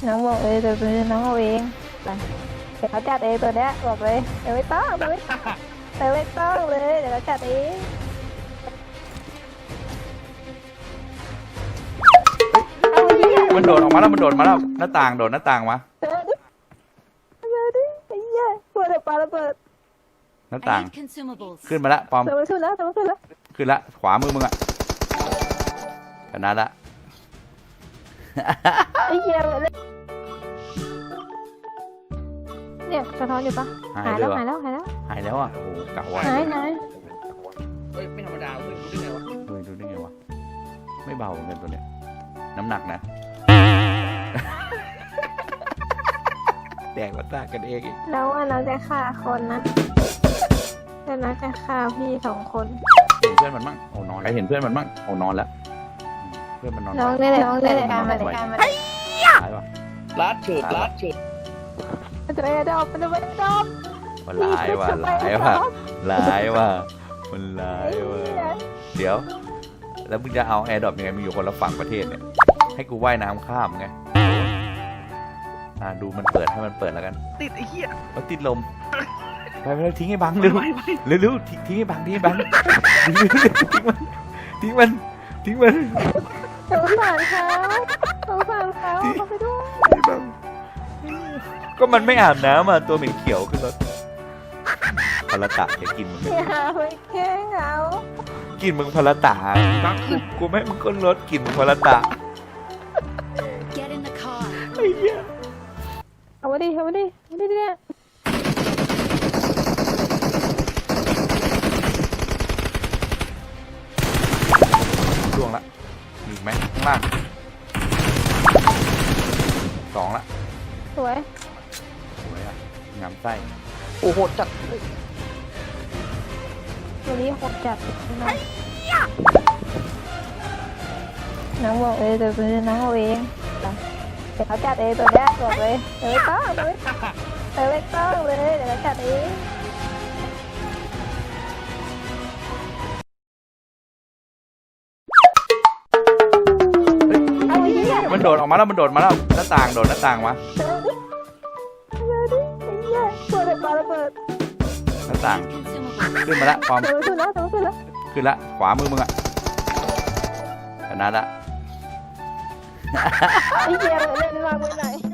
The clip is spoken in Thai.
น้องบอกเดี๋ยวน้องเอาเองไปเดี๋ยวเขาจัดเองตัวเนี้ยบอกเลยเดี๋ยวไม่ต้องเลยเดี๋ยวเขาจัดเองมันโดดออกมาแล้วหน้าต่างโดดหน้าต่างมาเดี๋ยวดิไอ้เหี้ยปวดปลาระเบิดหน้าต่าง I need consumables. ขึ้นมาละปอมเดี๋ยวมันขึ้นแล้วขึ้นละขวามือมึงอะชนะละไอ้เหี้ยเนี่ยสะท้อนอยู่ปะหายหายเลแล้ยว วะหายแล้วหายแล้วอ่ะโอ้โหกะว่าหายเฮ้ยไม่ธรรมดาเว้ยรู้ได้ไงวะเฮ้ยดูได้ไงวะไม่เบาเหมือนกันตัวเนี้ยน้ำหนักนะ แดกมาตากันเองอีกแล้วว่าน้องจะฆ่าคนนะแต่น้องจะฆ่าพี่2 คนเห็นเพื่อนมันมั่งโอ้นอนแล้วเห็นเพื่อนมันมั่งโอ้นอนแล้วเพื่อนมันนอนน้องนี่แหละการมาหายว่ะลัดเฉิดลัดเฉิดมันจะไม่ได้ดอมมันจะไม่ได้ดอมมันร้ายว่ะร้ายว่ะร้ายว่ะมันร้ายว่ะเดี๋ยว แล้วมึงจะเอาแอร์ดรอปยังไงมึงอยู่คนละฝั่งประเทศเนี่ยให้กูว่ายน้ำข้ามไงดูมันเปิดให้มันเปิดแล้วกันติดไอ้เหี้ยมันติดลมไปทิ้งให้บังเร็วเร็วทิ้งให้บังทิ้งมันสงสารเขาเขาไปด้วยก็มันไม่อาบน้ำอ่ะตัวเหม็นเขียวขึ้นรถพลตะจะกินมึงอย่าไปแกล้งเขากินมึงพลตะกูไม่ให้มึงก้นรถกินมึงพลตะ Get in the car. เอามาดิเนี่ยช่วงละมีอีกไหมข้างล่าง2ละสวยสวยอ่ะงามไส้โอ้โหจัดวันนี้โหดจัดน้องบอกเดี๋ยวน้องเอาเองไปเดี๋ยวเขาจัดเองตัวเนี้ยบอกเลยเดี๋ยวไม่ต้องเลยเดี๋ยวเขาจัดเอง เอาไอ้เหี้ยมันโดดออกมาแล้วหน้าต่างโดดหน้าต่างมาเดี๋ยวดิไอ้เหี้ยปวดปลาระเบิดหน้าต่าง Consumables. ขึ้นมาละปอมเดี๋ยวมันขึ้นแล้วขึ้นละขวามือมึงอะชนะละไอ้เหี้ยเล่นมากไปไหน